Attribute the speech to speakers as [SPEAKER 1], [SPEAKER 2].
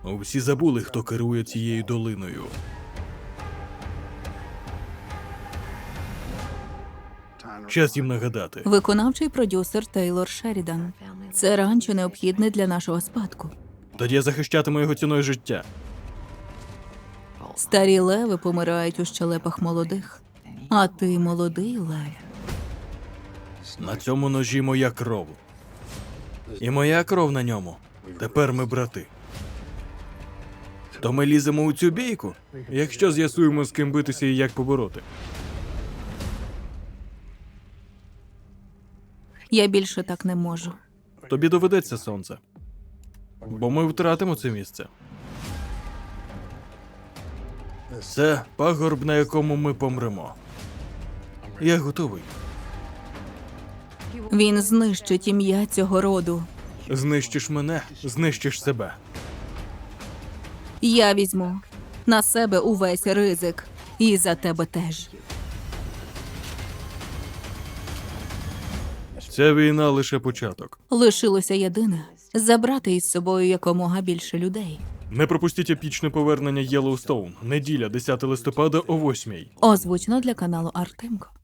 [SPEAKER 1] Всі забули, хто керує цією долиною. Час їм нагадати.
[SPEAKER 2] Виконавчий продюсер Тейлор Шерідан. Це ранчо необхідне для нашого спадку.
[SPEAKER 1] Тоді я захищатиму його ціною життя.
[SPEAKER 2] Старі леви помирають у щелепах молодих. А ти молодий лев.
[SPEAKER 1] На цьому ножі моя кров. І моя кров на ньому. Тепер ми брати. То ми ліземо у цю бійку, якщо з'ясуємо, з ким битися і як побороти.
[SPEAKER 2] Я більше так не можу.
[SPEAKER 1] Тобі доведеться, сонце. Бо ми втратимо це місце. Це пагорб, на якому ми помремо. Я готовий.
[SPEAKER 2] Він знищить ім'я цього роду.
[SPEAKER 1] Знищиш мене, знищиш себе.
[SPEAKER 2] Я візьму на себе увесь ризик. І за тебе теж.
[SPEAKER 1] Ця війна лише початок.
[SPEAKER 2] Лишилося єдине – забрати із собою якомога більше людей.
[SPEAKER 1] Не пропустіть епічне повернення Єллоустоун. Неділя, 10 листопада о 8:00.
[SPEAKER 2] Озвучено для каналу Артемко.